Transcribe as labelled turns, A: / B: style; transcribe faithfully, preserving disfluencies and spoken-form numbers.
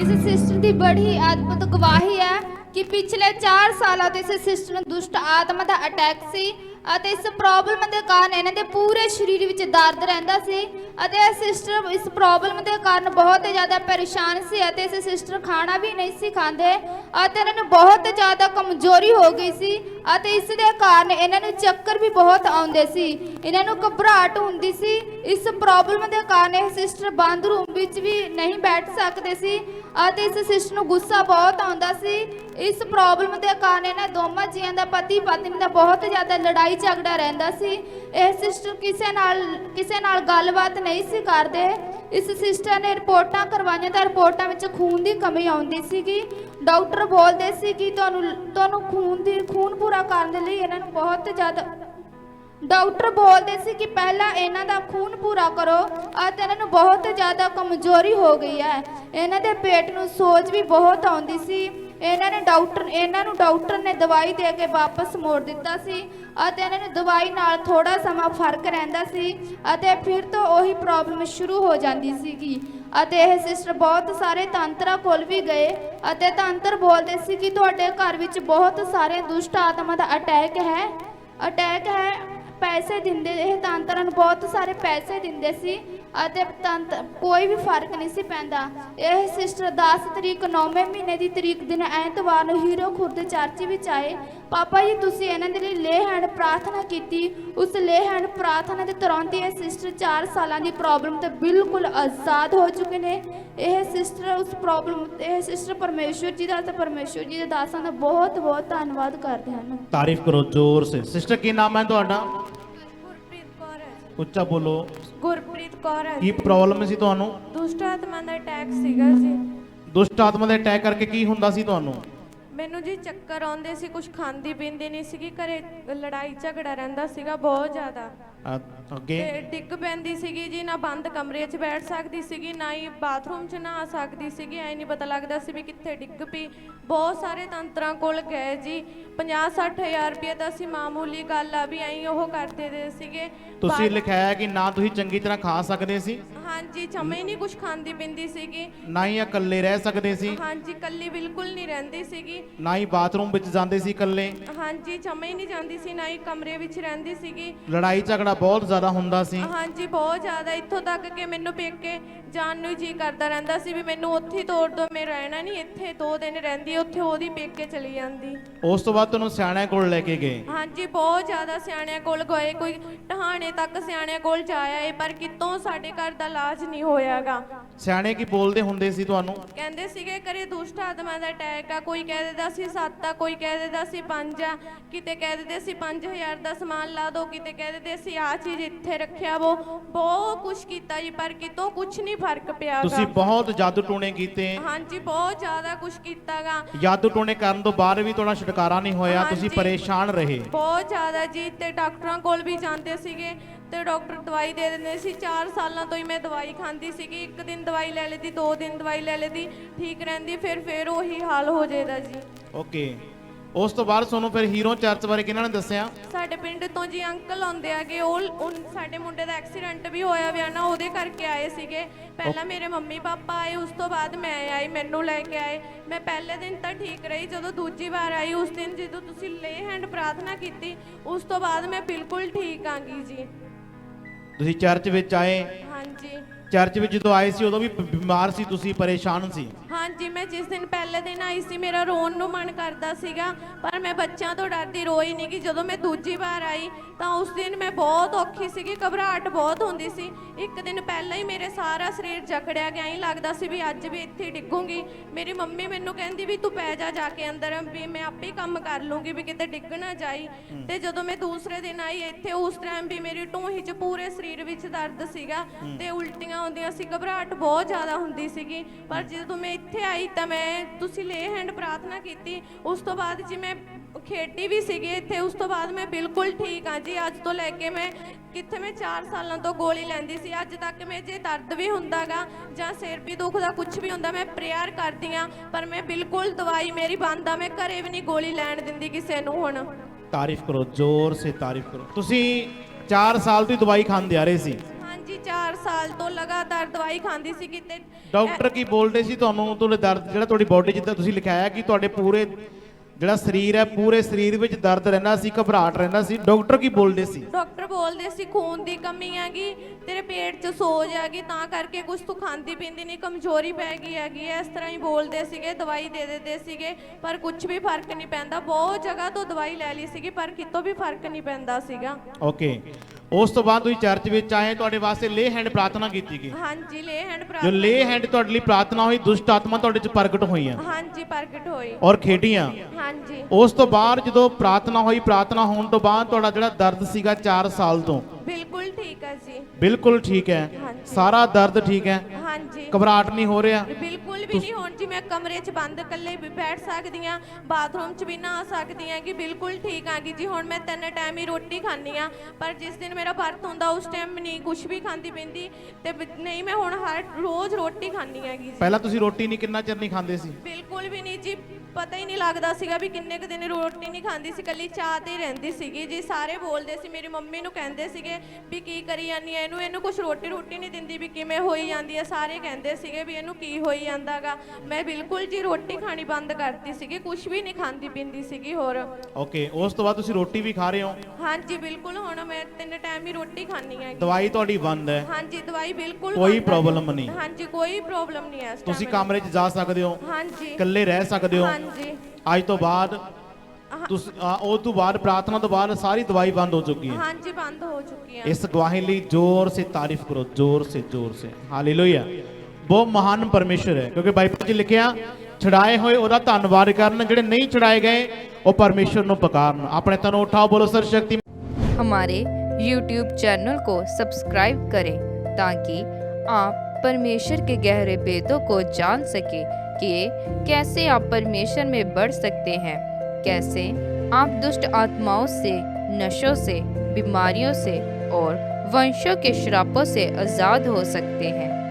A: इस सिस्टर की बड़ी अद्भुत गवाही है कि पिछले चार सालों ਤੋਂ इस सिस्टर ਨੂੰ ਦੁਸ਼ਟ ਆਤਮਾ ਦਾ ਅਟੈਕ ਸੀ ਅਤੇ ਇਸ ਪ੍ਰੋਬਲਮ ਦੇ ਕਾਰਨ ਇਹਨਾਂ ਦੇ ਪੂਰੇ ਸਰੀਰ ਵਿੱਚ ਦਰਦ ਰਹਿੰਦਾ ਸੀ ਅਤੇ ਇਹ ਸਿਸਟਰ ਇਸ ਪ੍ਰੋਬਲਮ ਦੇ ਕਾਰਨ ਬਹੁਤ ਜ਼ਿਆਦਾ ਪਰੇਸ਼ਾਨ ਸੀ ਅਤੇ ਇਸ ਸਿਸਟਰ ਖਾਣਾ ਵੀ ਨਹੀਂ ਸੀ ਖਾਂਦੇ ਅਤੇ ਇਹਨਾਂ ਨੂੰ ਬਹੁਤ ਜ਼ਿਆਦਾ ਕਮਜ਼ੋਰੀ ਹੋ ਗਈ ਸੀ ਅਤੇ ਇਸ ਦੇ ਕਾਰਨ ਇਹਨਾਂ ਨੂੰ ਚੱਕਰ ਵੀ ਬਹੁਤ ਆਉਂਦੇ ਸੀ ਇਹਨਾਂ ਨੂੰ ਘਬਰਾਹਟ ਹੁੰਦੀ ਸੀ ਇਸ ਪ੍ਰੋਬਲਮ ਦੇ ਕਾਰਨ ਇਹ ਸਿਸਟਰ ਬੰਦ ਰੂਮ ਵਿੱਚ ਵੀ ਨਹੀਂ ਬੈਠ ਸਕਦੇ ਸੀ ਅਤੇ ਇਸ ਸਿਸਟਰ ਨੂੰ ਗੁੱਸਾ ਬਹੁਤ ਆਉਂਦਾ ਸੀ ਇਸ ਪ੍ਰੋਬਲਮ ਦੇ ਕਾਰਨ ਇਹਨਾਂ ਦੋਵਾਂ ਜੀਆਂ ਦਾ ਪਤੀ ਪਤਨੀ ਦਾ ਬਹੁਤ ਜ਼ਿਆਦਾ ਲੜਾਈ ਝਗੜਾ ਰਹਿੰਦਾ ਸੀ ਇਹ ਸਿਸਟਰ ਕਿਸੇ ਨਾਲ ਕਿਸੇ ਨਾਲ ਗੱਲਬਾਤ ਨਹੀਂ ਸੀ ਕਰਦੇ ਇਸ ਸਿਸਟਰ ਨੇ ਰਿਪੋਰਟਾਂ ਕਰਵਾਈਆਂ ਤਾਂ ਰਿਪੋਰਟਾਂ ਵਿੱਚ ਖੂਨ ਦੀ ਕਮੀ ਆਉਂਦੀ ਸੀਗੀ ਡਾਕਟਰ ਬੋਲਦੇ ਸੀ ਕਿ ਤੁਹਾਨੂੰ ਤੁਹਾਨੂੰ ਖੂਨ ਦੀ ਖੂਨ ਪੂਰਾ ਕਰਨ ਦੇ ਲਈ ਇਹਨਾਂ ਨੂੰ ਬਹੁਤ ਜ਼ਿਆਦਾ ਡਾਕਟਰ ਬੋਲਦੇ ਸੀ ਕਿ ਪਹਿਲਾਂ ਇਹਨਾਂ ਦਾ ਖੂਨ ਪੂਰਾ ਕਰੋ ਅਤੇ ਇਹਨਾਂ ਨੂੰ ਬਹੁਤ ਜ਼ਿਆਦਾ ਕਮਜ਼ੋਰੀ ਹੋ ਗਈ ਹੈ ਇਹਨਾਂ ਦੇ ਪੇਟ ਨੂੰ ਸੋਜ ਵੀ ਬਹੁਤ ਆਉਂਦੀ ਸੀ ਇਹਨਾਂ ਨੇ ਡਾਕਟਰ ਇਹਨਾਂ ਨੂੰ ਡਾਕਟਰ ਨੇ ਦਵਾਈ ਦੇ ਕੇ ਵਾਪਸ ਮੋੜ ਦਿੱਤਾ ਸੀ ਅਤੇ ਇਹਨਾਂ ਨੂੰ ਦਵਾਈ ਨਾਲ ਥੋੜਾ ਸਮਾਂ ਫਰਕ ਰਹਿੰਦਾ ਸੀ ਅਤੇ ਫਿਰ ਤੋਂ ਉਹੀ ਪ੍ਰੋਬਲਮ ਸ਼ੁਰੂ ਹੋ ਜਾਂਦੀ ਸੀਗੀ ਅਤੇ ਇਹ ਸਿਸਟਰ ਬਹੁਤ ਸਾਰੇ ਤੰਤਰਾਂ ਕੋਲ ਵੀ ਗਏ ਅਤੇ ਤੰਤਰ ਬੋਲਦੇ ਸੀ ਕਿ ਤੁਹਾਡੇ ਘਰ ਵਿੱਚ ਬਹੁਤ ਸਾਰੇ ਦੁਸ਼ਟ ਆਤਮਾ ਦਾ ਅਟੈਕ ਹੈ ਅਟੈਕ ਹੈ ਪੈਸੇ ਦਿੰਦੇ ਇਹ ਤੰਤਰਾਂ ਨੂੰ ਬਹੁਤ ਸਾਰੇ ਪੈਸੇ ਦਿੰਦੇ ਸੀ ਅਤੇ ਤੰਤ ਕੋਈ ਵੀ ਫਰਕ ਨਹੀਂ ਸੀ ਪੈਂਦਾ ਇਹ ਸਿਸਟਰ ਦਸ ਤਰੀਕ ਨੌਵੇਂ ਮਹੀਨੇ ਦੀ ਤਰੀਕ ਦਿਨ ਐਤਵਾਰ ਨੂੰ ਹੀਰੋ ਖੁਰਦ ਚਰਚ ਵਿੱਚ ਆਏ ਪਾਪਾ ਜੀ ਤੁਸੀਂ ਇਹਨਾਂ ਦੇ ਲਈ ਲੇ ਹੈਂਡ ਪ੍ਰਾਰਥਨਾ ਕੀਤੀ ਉਸ ਲੇ ਹੈਂਡ ਪ੍ਰਾਰਥਨਾ ਦੇ ਤੁਰੰਤ ਇਹ ਸਿਸਟਰ ਚਾਰ ਸਾਲਾਂ ਦੀ ਪ੍ਰੋਬਲਮ ਤੋਂ ਬਿਲਕੁਲ ਆਜ਼ਾਦ ਹੋ ਚੁੱਕੇ ਨੇ ਇਹ ਸਿਸਟਰ ਉਸ ਪ੍ਰੋਬਲਮ ਇਹ ਸਿਸਟਰ ਪਰਮੇਸ਼ਵਰ ਜੀ ਦਾ ਤੇ ਪਰਮੇਸ਼ਵਰ ਜੀ ਦੇ ਦਾਸਾਂ ਦਾ ਬਹੁਤ ਬਹੁਤ ਧੰਨਵਾਦ ਕਰਦੇ ਹਨ
B: ਤਾਰੀਫ ਕਰੋ ਜ਼ੋਰ ਸੇ ਸਿਸਟਰ ਕੀ ਨਾਮ ਹੈ ਤੁਹਾਡਾ
C: ਗੁਰਪ੍ਰੀਤ ਕੌਰ ਹੈ ਜੀ।
B: ਉੱਚਾ ਬੋਲੋ
C: ਗੁਰਪ੍ਰੀਤ ਕੌਰ ਹੈ
B: ਕੀ
C: ਜੀ।
B: ਪ੍ਰੋਬਲਮ ਸੀ ਤੁਹਾਨੂੰ
C: ਦੁਸ਼ਟ ਆਤਮਾ ਦਾ ਅਟੈਕ ਸੀਗਾ ਜੀ
B: ਦੁਸ਼ਟ ਆਤਮਾ ਦੇ ਅਟੈਕ ਕਰਕੇ ਕੀ ਹੁੰਦਾ ਸੀ ਤੁਹਾਨੂੰ
C: ਮੈਨੂੰ ਜੀ ਚੱਕਰ ਆਉਂਦੇ ਸੀ ਕੁਝ ਖਾਂਦੀ ਪੀਂਦੀ ਨਹੀਂ ਸੀਗੀ ਘਰੇ ਲੜਾਈ ਝਗੜਾ ਰਹਿੰਦਾ ਸੀਗਾ ਬਹੁਤ ਜ਼ਿਆਦਾ
B: ਅ- ਅੱਗੇ
C: ਤੇ ਡਿੱਗ ਪੈਂਦੀ ਸੀਗੀ ਜੀ ਨਾ ਬੰਦ ਕਮਰੇ 'ਚ ਬੈਠ ਸਕਦੀ ਸੀਗੀ ਨਾ ਹੀ ਬਾਥਰੂਮ 'ਚ ਨਹਾ ਸਕਦੀ ਸੀਗੀ ਐ ਨਹੀਂ ਪਤਾ ਲੱਗਦਾ ਸੀ ਵੀ ਕਿੱਥੇ ਡਿੱਗ ਪਈ ਬਹੁਤ ਸਾਰੇ ਤੰਤਰਾਂ ਕੋਲ ਗਏ ਜੀ ਪੰਜਾਹ ਸੱਠ ਹਜ਼ਾਰ ਰੁਪਏ ਤਾਂ ਅਸੀਂ ਮਾਮੂਲੀ ਗੱਲ ਆ ਵੀ ਐਂ ਉਹ ਕਰਦੇ ਦੇ ਸੀਗੇ
B: ਤੁਸੀਂ ਲਿਖਾਇਆ ਕਿ ਨਾ ਤੁਸੀਂ ਚੰਗੀ ਤਰ੍ਹਾਂ ਖਾ ਸਕਦੇ ਸੀ
C: ਹਾਂਜੀ ਜਮੇ ਨਹੀਂ ਕੁਝ ਖਾਂਦੀ ਪੀਂਦੀ ਸੀਗੀ
B: ਨਾ ਹੀ ਇਕੱਲੇ ਰਹਿ ਸਕਦੇ ਸੀ
C: ਹਾਂਜੀ ਕੱਲੀ ਬਿਲਕੁਲ ਨਹੀਂ ਰਹਿੰਦੀ ਸੀਗੀ
B: ਨਾ ਹੀ ਬਾਥਰੂਮ ਵਿੱਚ ਜਾਂਦੇ ਸੀ ਇਕੱਲੇ
C: ਹਾਂਜੀ ਜਮੇ ਹੀ ਨਹੀਂ ਜਾਂਦੀ ਸੀ ਨਾ ਹੀ ਕਮਰੇ ਵਿੱਚ ਰਹਿੰਦੀ ਸੀਗੀ
B: ਲੜਾਈ ਝਗੜਾ ਬਹੁਤ ਜ਼ਿਆਦਾ ਹੁੰਦਾ ਸੀ
C: ਹਾਂਜੀ ਬਹੁਤ ਜ਼ਿਆਦਾ ਇੱਥੋਂ ਤੱਕ ਕਿ ਮੈਨੂੰ ਪੇਕੇ ਜਾਣ ਨੂੰ ਜੀ ਕਰਦਾ ਰਹਿੰਦਾ ਸੀ ਵੀ ਮੈਨੂੰ ਉੱਥੇ ਹੀ ਤੋੜ ਦੋ ਮੈਂ ਰਹਿਣਾ ਨਹੀਂ ਇੱਥੇ ਦੋ ਦਿਨ ਰਹਿੰਦੀ ਉੱਥੇ ਉਹਦੀ ਪੇਕੇ ਚਲੀ ਜਾਂਦੀ
B: ਉਸ ਤੋਂ ਬਾਅਦ ਤੁਹਾਨੂੰ ਸਿਆਣਿਆਂ ਕੋਲ ਲੈ ਕੇ ਗਏ
C: ਹਾਂਜੀ ਬਹੁਤ ਜ਼ਿਆਦਾ ਸਿਆਣਿਆਂ ਕੋਲ ਗਏ ਕੋਈ ਟਹਾਣੇ ਤੱਕ ਸਿਆਣਿਆਂ ਕੋਲ ਜਾਇਆ ਏ ਪਰ ਕਿਤੋਂ ਸਾਡੇ ਘਰ ਦਾ ਇਲਾਜ ਨਹੀਂ ਹੋਇਆਗਾ
B: ਸਿਆਣੇ ਕੀ ਬੋਲਦੇ ਹੁੰਦੇ ਸੀ ਤੁਹਾਨੂੰ
C: ਕਹਿੰਦੇ ਸੀਗੇ ਘਰੇ ਦੁਸ਼ਟ ਆਤਮਾ ਦਾ ਅਟੈਕ ਆ ਕੋਈ ਕਹਿ ਦਿੰਦਾ ਸੀ ਸੱਤ ਆ ਕੋਈ ਕਹਿ ਦਿੰਦਾ ਸੀ ਪੰਜ ਆ ਕਿਤੇ ਕਹਿ ਦਿੰਦੇ ਸੀ ਪੰਜ ਹਜ਼ਾਰ ਦਾ ਸਮਾਨ ਲਾ ਦੋ ਕਿਤੇ ਕਹਿ ਦਿੰਦੇ ਸੀ ਆ ਚੀਜ਼ ਇੱਥੇ ਰੱਖਿਆ ਵੋ ਬਹੁਤ ਕੁਛ ਕੀਤਾ ਜੀ ਪਰ ਕਿਤੋਂ ਕੁਛ ਨਹੀਂ ਫਰਕ ਪਿਆ
B: ਤੁਸੀਂ ਬਹੁਤ ਜਾਦੂ ਟੂਣੇ ਕੀਤੇ
C: ਹਾਂਜੀ ਬਹੁਤ ਜ਼ਿਆਦਾ ਕੁਛ ਕੀਤਾਗਾ
B: ਜਾਦੂ ਟੂਣੇ ਕਰਨ ਤੋਂ ਬਾਅਦ ਵੀ ਤੁਹਾਡਾ ਛੁਟਕਾਰਾ ਨਹੀਂ ਹੋਇਆ ਤੁਸੀਂ
C: ਹਾਂਜੀ।
B: ਪਰੇਸ਼ਾਨ ਰਹੇ
C: ਬਹੁਤ ਜ਼ਿਆਦਾ ਜੀ ਤੇ ਡਾਕਟਰਾਂ ਕੋਲ ਵੀ ਜਾਂਦੇ ਸੀਗੇ ਤੇ ਡਾਕਟਰ ਦਵਾਈ ਦੇ ਦਿੰਦੇ ਸੀ ਚਾਰ ਸਾਲਾਂ ਤੋਂ ਹੀ ਮੈਂ ਦਵਾਈ ਖਾਂਦੀ ਸੀਗੀ ਇੱਕ ਦਿਨ ਦਵਾਈ ਲੈ ਲੈਦੀ ਦੋ ਦਿਨ ਦਵਾਈ ਲੈ ਲੈਦੀ ਠੀਕ ਰਹਿੰਦੀ ਫਿਰ ਫਿਰ ਉਹੀ ਹਾਲ ਹੋ ਜਾਏਦਾ ਜੀ
B: ਓਕੇ ਉਸ ਤੋਂ ਬਾਅਦ ਤੁਹਾਨੂੰ ਫਿਰ ਹੀਰੋ ਚਰਚ ਬਾਰੇ ਕਿਹਨਾਂ ਨੇ ਦੱਸਿਆ
C: ਸਾਡੇ ਪਿੰਡ ਤੋਂ ਜੀ ਅੰਕਲ ਆਉਂਦੇ ਆਗੇ ਉਹ ਉਨ- ਸਾਡੇ ਮੁੰਡੇ ਦਾ ਐਕਸੀਡੈਂਟ ਵੀ ਹੋਇਆ ਵਿਆ ਨਾ ਉਹਦੇ ਕਰਕੇ ਆਏ ਸੀਗੇ ਪਹਿਲਾਂ ਮੇਰੇ ਮੰਮੀ ਪਾਪਾ ਆਏ ਉਸ ਤੋਂ ਬਾਅਦ ਮੈਂ ਆਈ ਮੈਨੂੰ ਲੈ ਕੇ ਆਏ ਮੈਂ ਪਹਿਲੇ ਦਿਨ ਤਾਂ ਠੀਕ ਰਹੀ ਜਦੋਂ ਦੂਜੀ ਵਾਰ ਆਈ ਉਸ ਦਿਨ ਜਦੋਂ ਤੁਸੀਂ ਲੇ ਹੈਂਡ ਪ੍ਰਾਰਥਨਾ ਕੀਤੀ ਉਸ ਤੋਂ ਬਾਅਦ ਮੈਂ ਬਿਲਕੁਲ ਠੀਕ ਆਂਗੀ ਜੀ
B: ਤੁਸੀਂ ਚਰਚ ਵਿੱਚ ਆਏ
C: ਹਾਂਜੀ
B: ਚਰਚ ਵਿੱਚ ਜਦੋਂ ਆਏ ਸੀ ਉਦੋਂ ਵੀ ਬ- ਬਿਮਾਰ ਸੀ ਤੁਸੀਂ ਪਰੇਸ਼ਾਨ ਸੀ
C: ਹਾਂਜੀ ਮੈਂ ਜਿਸ ਦਿਨ ਪਹਿਲੇ ਦਿਨ ਆਈ ਸੀ ਮੇਰਾ ਰੋਣ ਨੂੰ ਮਨ ਕਰਦਾ ਸੀਗਾ ਪਰ ਮੈਂ ਬੱਚਿਆਂ ਤੋਂ ਡਰਦੀ ਰੋਈ ਨਹੀਂ ਕਿ ਜਦੋਂ ਮੈਂ ਦੂਜੀ ਵਾਰ ਆਈ ਤਾਂ ਉਸ ਦਿਨ ਮੈਂ ਬਹੁਤ ਔਖੀ ਸੀਗੀ ਘਬਰਾਹਟ ਬਹੁਤ ਹੁੰਦੀ ਸੀ ਇੱਕ ਦਿਨ ਪਹਿਲਾਂ ਹੀ ਮੇਰੇ ਸਾਰਾ ਸਰੀਰ ਜਕੜਿਆ ਗਿਆ ਹੀ ਲੱਗਦਾ ਸੀ ਵੀ ਅੱਜ ਵੀ ਇੱਥੇ ਡਿੱਗੂਗੀ ਮੇਰੀ ਮੰਮੀ ਮੈਨੂੰ ਕਹਿੰਦੀ ਵੀ ਤੂੰ ਪੈ ਜਾ ਜਾ ਕੇ ਅੰਦਰ ਵੀ ਮੈਂ ਆਪੇ ਕੰਮ ਕਰ ਲੂੰਗੀ ਵੀ ਕਿਤੇ ਡਿੱਗ ਨਾ ਜਾਈ ਤੇ ਜਦੋਂ ਮੈਂ ਦੂਸਰੇ ਦਿਨ ਆਈ ਇੱਥੇ ਉਸ ਟਾਈਮ ਵੀ ਮੇਰੀ ਢੂਹੀ 'ਚ ਪੂਰੇ ਸਰੀਰ ਵਿੱਚ ਦਰਦ ਸੀਗਾ ਤੇ ਉਲਟੀਆਂ ਆਉਂਦੀਆਂ ਸੀ ਘਬਰਾਹਟ ਬਹੁਤ ਜ਼ਿਆਦਾ ਹੁੰਦੀ ਸੀਗੀ ਪਰ ਜਦੋਂ ਮੈਂ ਇੱਥੇ ਆਈ ਤਾਂ ਮੈਂ ਤੁਸੀਂ ਲੇ ਹੈਂਡ ਪ੍ਰਾਰਥਨਾ ਕੀਤੀ ਉਸ ਤੋਂ ਬਾਅਦ ਜੀ ਮੈਂ ਖੇਡੀ ਵੀ ਸੀਗੀ ਇੱਥੇ ਉਸ ਤੋਂ ਬਾਅਦ ਮੈਂ ਬਿਲਕੁਲ ਠੀਕ ਹਾਂ ਜੀ ਅੱਜ ਤੋਂ ਲੈ ਕੇ ਮੈਂ ਕਿੱਥੇ ਮੈਂ ਚਾਰ ਸਾਲਾਂ ਤੋਂ ਗੋਲੀ ਲੈਂਦੀ ਸੀ ਅੱਜ ਤੱਕ ਮੈਂ ਜੇ ਦਰਦ ਵੀ ਹੁੰਦਾਗਾ ਜਾਂ ਸਿਰ ਵੀ ਦੁਖਦਾ ਕੁਝ ਵੀ ਹੁੰਦਾ ਮੈਂ ਪ੍ਰੇਅਰ ਕਰਦੀ ਹਾਂ ਪਰ ਮੈਂ ਬਿਲਕੁਲ ਦਵਾਈ ਮੇਰੀ ਬੰਦ ਆ ਮੈਂ ਘਰੇ ਵੀ ਨਹੀਂ ਗੋਲੀ ਲੈਣ ਦਿੰਦੀ ਕਿਸੇ ਨੂੰ ਹੁਣ
B: ਤਾਰੀਫ ਕਰੋ ਜ਼ੋਰ ਸੇ ਤਾਰੀਫ ਕਰੋ ਤੁਸੀਂ ਚਾਰ ਸਾਲ ਦੀ ਦਵਾਈ ਖਾਂਦੇ ਆ ਰਹੇ ਸੀ
C: ਹਾਂਜੀ ਚਾਰ ਸਾਲ ਤੋਂ ਲਗਾਤਾਰ ਦਵਾਈ ਖਾਂਦੀ ਸੀ ਕਿਤੇ
B: ਡਾਕਟਰ ਕੀ ਬੋਲਦੇ ਸੀ ਤੁਹਾਨੂੰ? ਤੁਹਾਡੇ ਦਰਦ ਜਿਹੜਾ ਤੁਹਾਡੀ ਬੋਡੀ, ਜਿੱਦਾਂ ਤੁਸੀਂ ਲਿਖਾਇਆ ਕਿ ਤੁਹਾਡੇ ਪੂਰੇ ਜਿਹੜਾ ਸਰੀਰ ਹੈ, ਪੂਰੇ ਸਰੀਰ ਵਿੱਚ ਦਰਦ ਰਹਿੰਦਾ ਸੀ, ਘਬਰਾਹਟ ਰਹਿੰਦਾ ਸੀ, ਡਾਕਟਰ ਕੀ ਬੋਲਦੇ ਸੀ?
C: ਡਾਕਟਰ ਬੋਲਦੇ ਸੀ ਖੂਨ ਦੀ ਕਮੀ ਹੈਗੀ, ਤੇਰੇ ਪੇਟ 'ਚ ਸੋਜ ਹੈਗੀ, ਤਾਂ ਕਰਕੇ ਕੁਝ ਤੂੰ ਖਾਂਦੀ ਪੀਂਦੀ ਨਹੀਂ, ਕਮਜ਼ੋਰੀ ਪੈ ਗਈ ਹੈਗੀ, ਇਸ ਤਰ੍ਹਾਂ ਹੀ ਬੋਲਦੇ ਸੀਗੇ। ਦਵਾਈ ਦੇ ਦਿੰਦੇ ਸੀਗੇ ਪਰ ਕੁਝ ਵੀ ਫਰਕ ਨਹੀਂ ਪੈਂਦਾ। ਬਹੁਤ ਜਗ੍ਹਾ ਤੋਂ ਦਵਾਈ ਲੈ ਲਈ ਸੀਗੀ ਪਰ ਕਿਤੋਂ ਵੀ ਫਰਕ ਨਹੀਂ ਪੈਂਦਾ ਸੀਗਾ।
B: ਓਕੇ, ਉਸ ਤੋਂ ਬਾਅਦ ਤੁਸੀਂ ਚਰਚ ਵਿੱਚ ਆਏ, ਤੁਹਾਡੇ ਵਾਸਤੇ ਲੇ ਹੈਂਡ ਪ੍ਰਾਰਥਨਾ ਕੀਤੀ ਗਈ।
C: ਹਾਂਜੀ, ਲੇ ਹੈਂਡ
B: ਜੋ
C: ਪ੍ਰਾਰਥਨਾ।
B: ਲੇ ਹੈਂਡ ਤੁਹਾਡੇ ਲਈ ਪ੍ਰਾਰਥਨਾ ਹੋਈ, ਦੁਸ਼ਟ ਆਤਮਾ ਤੁਹਾਡੇ ਚ ਪ੍ਰਗਟ ਹੋਈਆਂ
C: ਹਾਂਜੀ, ਪ੍ਰਗਟ ਹੋਈ।
B: ਔਰ ਖੇਡੀਆਂ।
C: ਹਾਂਜੀ,
B: ਉਸ ਤੋਂ ਬਾਅਦ ਜਦੋਂ ਪ੍ਰਾਰਥਨਾ ਹੋਈ, ਪ੍ਰਾਰਥਨਾ ਹੋਣ ਤੋਂ ਬਾਅਦ ਤੁਹਾਡਾ ਜਿਹੜਾ ਦਰਦ ਸੀਗਾ ਚਾਰ ਸਾਲ ਤੋਂ
C: ਬਿਲਕੁਲ ਠੀਕ ਹੈ ਜੀ।
B: ਬਿਲਕੁਲ ਠੀਕ ਹੈ,
C: ਹਾਂਜੀ।
B: ਸਾਰਾ ਦਰਦ ਠੀਕ ਹੈ,
C: ਹਾਂਜੀ,
B: ਘਬਰਾਹਟ ਨਹੀਂ ਹੋ ਰਿਹਾ?
C: ਬਿਲਕੁਲ ਵੀ ਨਹੀਂ। ਹੁਣ ਜੀ ਮੈਂ ਕਮਰੇ 'ਚ ਬੰਦ ਇਕੱਲੇ ਵੀ ਬੈਠ ਸਕਦੀ ਹਾਂ, ਬਾਥਰੂਮ 'ਚ ਵੀ ਨਹਾ ਸਕਦੀ ਹਾਂ, ਕਿ ਬਿਲਕੁਲ ਠੀਕ ਆਂਗੀ ਜੀ। ਹੁਣ ਮੈਂ ਤਿੰਨ ਟਾਈਮ ਹੀ ਰੋਟੀ ਖਾਂਦੀ ਹਾਂ, ਪਰ ਜਿਸ ਦਿਨ ਮੇਰਾ ਵਰਤ ਹੁੰਦਾ ਉਸ ਟਾਈਮ ਨਹੀਂ ਕੁਝ ਵੀ ਖਾਂਦੀ ਪੀਂਦੀ, ਤੇ ਬ- ਨਹੀਂ ਮੈਂ ਹੁਣ ਹਰ ਰੋਜ਼ ਰੋਟੀ ਖਾਂਦੀ ਹੈਗੀ ਜੀ।
B: ਪਹਿਲਾਂ ਤੁਸੀਂ ਰੋਟੀ ਨਹੀਂ, ਕਿੰਨਾ ਚਿਰ ਨਹੀਂ ਖਾਂਦੇ ਸੀ?
C: ਬਿਲਕੁਲ ਵੀ ਨਹੀਂ ਜੀ, ਪਤਾ ਹੀ ਨਹੀਂ ਲੱਗਦਾ ਸੀਗਾ ਵੀ ਕਿੰਨੇ ਕੁ ਦਿਨ ਰੋਟੀ ਨਹੀਂ ਖਾਂਦੀ ਸੀ, ਇਕੱਲੀ ਚਾਹ ਤੇ ਹੀ ਰਹਿੰਦੀ ਸੀਗੀ ਜੀ। ਸਾਰੇ ਬੋਲਦੇ ਸੀ, ਮੇਰੀ ਮੰਮੀ ਨੂੰ ਕਹਿੰਦੇ ਸੀਗੇ ਵੀ ਕੀ ਕਰੀ ਜਾਂਦੀ ਹੈ ਇਹਨੂੰ, ਇਹਨੂੰ ਕੁਝ ਰੋਟੀ ਰੋਟੀ ਨਹੀਂ ਦਿੰਦੀ, ਵੀ ਕਿਵੇਂ ਹੋਈ ਜਾਂਦੀ ਹੈ। ਸਾਰੇ ਕਹਿੰਦੇ ਸੀਗੇ ਵੀ ਇਹਨੂੰ ਕੀ ਹੋਈ ਜਾਂਦਾਗਾ। ਮੈਂ ਬਿਲਕੁਲ ਜੀ ਰੋਟੀ ਖਾਣੀ ਬੰਦ ਕਰਤੀ ਸੀਗੀ, ਕੁਝ ਵੀ ਨਹੀਂ ਖਾਂਦੀ ਪੀਂਦੀ ਸੀਗੀ ਹੋਰ।
B: ਓਕੇ, ਉਸ ਤੋਂ ਬਾਅਦ ਤੁਸੀਂ ਰੋਟੀ ਵੀ ਖਾ ਰਹੇ ਹੋ?
C: ਹਾਂਜੀ, ਬਿਲਕੁਲ ਹੁਣ ਮੈਂ ਤਿੰਨ ਟਾਈਮ ਹੀ ਰੋਟੀ ਖਾਣੀ ਹੈ।
B: ਦਵਾਈ ਤੁਹਾਡੀ ਬੰਦ ਹੈ?
C: ਹਾਂਜੀ, ਦਵਾਈ ਬਿਲਕੁਲ
B: ਕੋਈ
C: ਬੰਦ ਹੈ।
B: ਪ੍ਰੋਬਲਮ ਨਹੀਂ?
C: ਹਾਂਜੀ, ਕੋਈ ਪ੍ਰੋਬਲਮ ਨਹੀਂ ਹੈ ਇਸ
B: ਤੁਸੀਂ
C: time
B: ਕਮਰੇ 'ਚ ਜਾ ਸਕਦੇ ਹੋ,
C: ਮੈਨੂੰ। ਹਾਂਜੀ,
B: ਇਕੱਲੇ ਰਹਿ ਸਕਦੇ ਹੋ।
C: ਹਾਂਜੀ,
B: ਅੱਜ ਤੋਂ ਬਾਅਦ ਤੁਸੀਂ ਆ, ਉਹ ਤੋਂ ਬਾਅਦ ਪ੍ਰਾਰਥਨਾ ਤੋਂ ਬਾਅਦ ਸਾਰੀ ਦਵਾਈ ਬੰਦ ਹੋ ਚੁੱਕੀ ਹੈ।
C: ਹਾਂਜੀ, ਬੰਦ ਹੋ ਚੁੱਕੀ ਹੈ।
B: इस गवाही ਲਈ जोर से तारीफ करो, जोर से जोर से हालेलुया। ਬਹੁਤ ਮਹਾਨ ਪਰਮੇਸ਼ਰ ਹੈ, ਕਿਉਂਕਿ ਬਾਈਬਲ 'ਚ ਲਿਖਿਆ ਛੜਾਏ ਹੋਏ ਉਹਦਾ ਧੰਨਵਾਦ ਕਰਨ, ਜਿਹੜੇ ਨਹੀਂ ਛੜਾਏ ਗਏ ਉਹ ਪਰਮੇਸ਼ਰ ਨੂੰ ਪੁਕਾਰਨ। ਆਪਣੇ ਤਨ ਉਠਾਓ, ਬੋਲੋ ਸਰਵਸ਼ਕਤੀ।
D: हमारे यूट्यूब चैनल को सब्सक्राइब करें ताकि आप परमेश्वर के गहरे भेदों को जान सकें कि कैसे आप परमेश्वर में बढ़ सकते हैं, कैसे आप दुष्ट आत्माओं से, नशों से, बीमारियों से और वंशों के श्रापों से आज़ाद हो सकते हैं।